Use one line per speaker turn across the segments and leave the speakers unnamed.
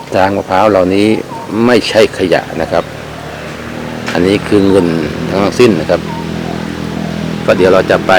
ทางมะพร้าวเหล่านี้ไม่ใช่ขยะนะครับอันนี้คือเงินทั้งสิ้นนะครับก็เดี๋ยวเราจะไป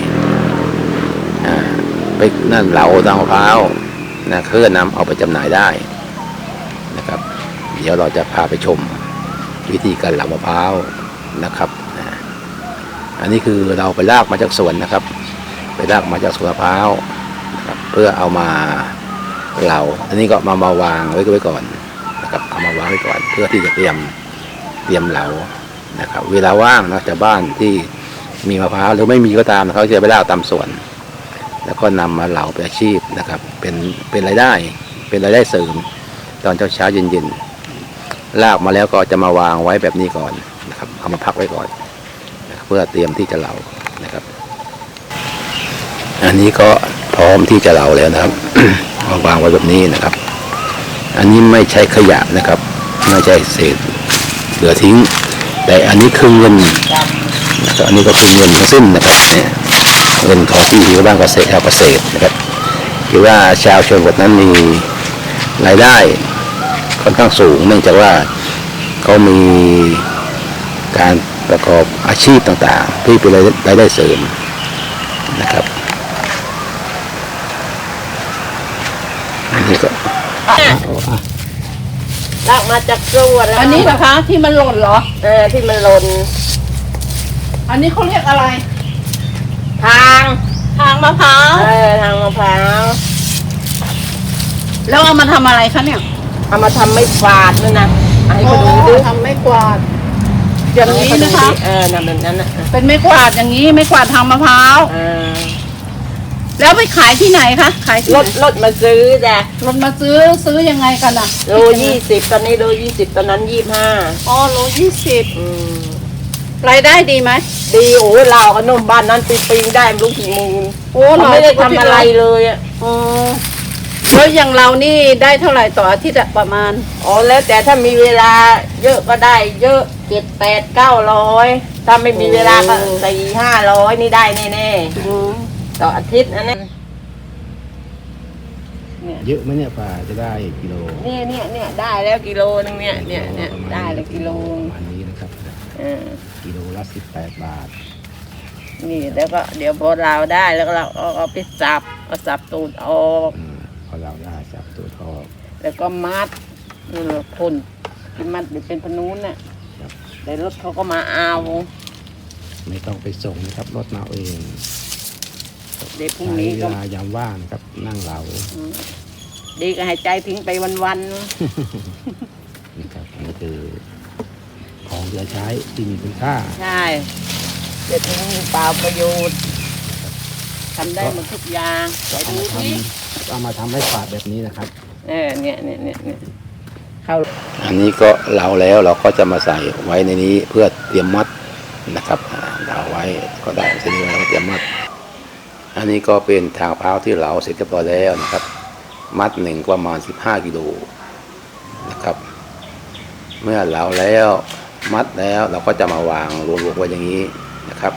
นั่นเหลาทางมะพร้าวนะเพื่อนำเอาไปจำหน่ายได้นะครับเดี๋ยวเราจะพาไปชมวิธีการเหลามะพร้าวนะครับอันนี้คือเราไปลากมาจากสวนนะครับไปลากมาจากสวนมะพร้าวนะครับเพื่อเอามาเหลาอันนี้ก็มาวางไว้ก่อนนะครับเอามาวางไว้ก่อนเพื่อที่จะเตรียมเหลานะครับเวลาว่างนะจากบ้านที่มีมะพร้าวหรือไม่มีก็ตามเขาจะไปลากตามสวนแล้วก็นำมาเหลาเป็นอาชีพนะครับเป็นรายได้เสริมตอนเช้าเย็นลากมาแล้วก็จะมาวางไว้แบบนี้ก่อนนะครับเอามาพักไว้ก่อนนะครับเพื่อเตรียมที่จะเหลานะครับอันนี้ก็พร้อมที่จะเหลาแล้วนะครับ มาวางไว้แบบนี้นะครับอันนี้ไม่ใช่ขยะนะครับไม่ใช่เศษเหลือทิ้งแต่อันนี้คือเงินนะครับอันนี้ก็คือเงินทั้งสิ้นนะครับเนี่ยเงินของที่บ้านเกษตรนะครับคือว่าชาวชนบทนั้นมีรายได้ค่อนข้างสูงเนื่องจากว่าเขามีการประกอบอาชีพต่างๆที่เป็นรายได้เสริมนะครับอันนี้ก็
ลากมาจากสวนแล้ว
อันนี้นะคะที่มันหล่นเหรอ
ที่มันหล่น
อันนี้เขาเรียกอะไร
ทาง
มะพร้าว
ทางมะพร้าว
แล้วเอามาทำอะไรคะเนี่ย
เอามาทำไม่ฝาดนั่นนะให้เขาดูดิ
ทำไม่กวาดอย่างนี้นะคะ
นั่นแบบนั้นนะ
เป็นไม่กวาดอย่างนี้ไม่กวาดทางมะพร้าวแล้วไปขายที่ไหนคะขาย
รถมาซื้อจ้ะ
รถมาซื้อยังไงกันอ่ะ
โล20ตอนนี้โล20ตอนนั้น25
โล20รายได้ดีไหม
ดีโอ้เราขนมบ้านนั้นปีได้ไม่รู้กี่หมื่นเราไม่ได้ทำอะไรเลยอ่ะ
แล้วอย่างเรานี่ได้เท่าไหร่ต่ออาทิตย์ประมาณ
แล้วแต่ถ้ามีเวลาเยอะก็ได้เยอะ7 8 900ถ้าไม่มีเวลาก็4 500นี่ได้แน่ๆต่ออาทิตย์นั้น
เยอะไหมเนี่ยป่าจะได้กิโล
เนี่ยได้แล้วกิโลนึงเนี่ยได้แล้วกิโล
อันนี้นะครับกิโลละ18 บาท
นี่แล้วก็เดี๋ยวพอเราได้แล้วก็เราเอาไปสับตูดออก
พอเราได้สับตูดออก
แล้วก็มัดพ่นมัดหรือเป็นพนุ้นน่ะแต่รถเขาก็มาเอา
ไม่ต้องไปส่งนะครับรถมาเอง
เดี๋ยวพรุ่งนี้
ก็ยามว่างครับนั่งเหลา
ดีก็หายใจทิ้งไปวัน
ๆนี่ครับนี่คือของเหลือใช้ที่มีคุณค่า
ใช่เดี๋ยวทิ้งเปล่าประโยชน์ทำได้หมดทุกอย่าง
เอามาทำให้ฝาดแบบนี้นะครับ
เนี่ยเข้า
อันนี้ก็เหลาแล้วเราก็จะมาใส่ไว้ในนี้เพื่อเตรียมมัดนะครับเหลาไว้ก็ได้ทีนี้เราเตรียมมัดอันนี้ก็เป็นทางมะพร้าวที่เหลาเสร็จเรียบร้อยแล้วนะครับมัดหนึ่งประมาณ15 กิโลนะครับเมื่อเหลาแล้วมัดแล้วเราก็จะมาวางรวมๆไว้อย่างนี้นะครับ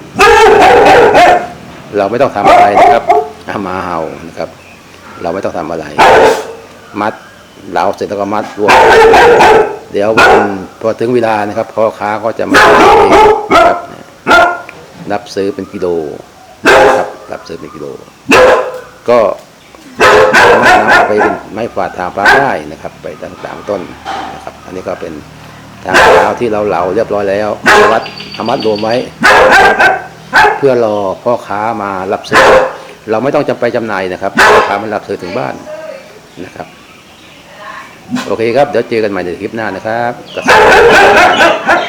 เราไม่ต้องทำอะไรนะครับหมาเห่านะครับเราไม่ต้องทำอะไรมัดเหลาเสร็จแล้วก็มัดรวมเดี๋ยวพอถึงเวลานะครับพ่อค้าก็จะมาเองนะครับรับซื้อเป็นกิโลนะครับรับซื้อเป็นกิโลก็เอาไปเป็นไม้ฝาดทางฟ้าได้นะครับไปต่างๆต้นนะครับอันนี้ก็เป็นทางมะพร้าวที่เราเหลาเรียบร้อยแล้วมัดรวมไว้เพื่อรอพ่อค้ามารับซื้อเราไม่ต้องไปจำหน่ายนะครับพ่อค้ามารับซื้อถึงบ้านนะครับโอเคครับเดี๋ยวเจอกันใหม่ในคลิปหน้านะครับ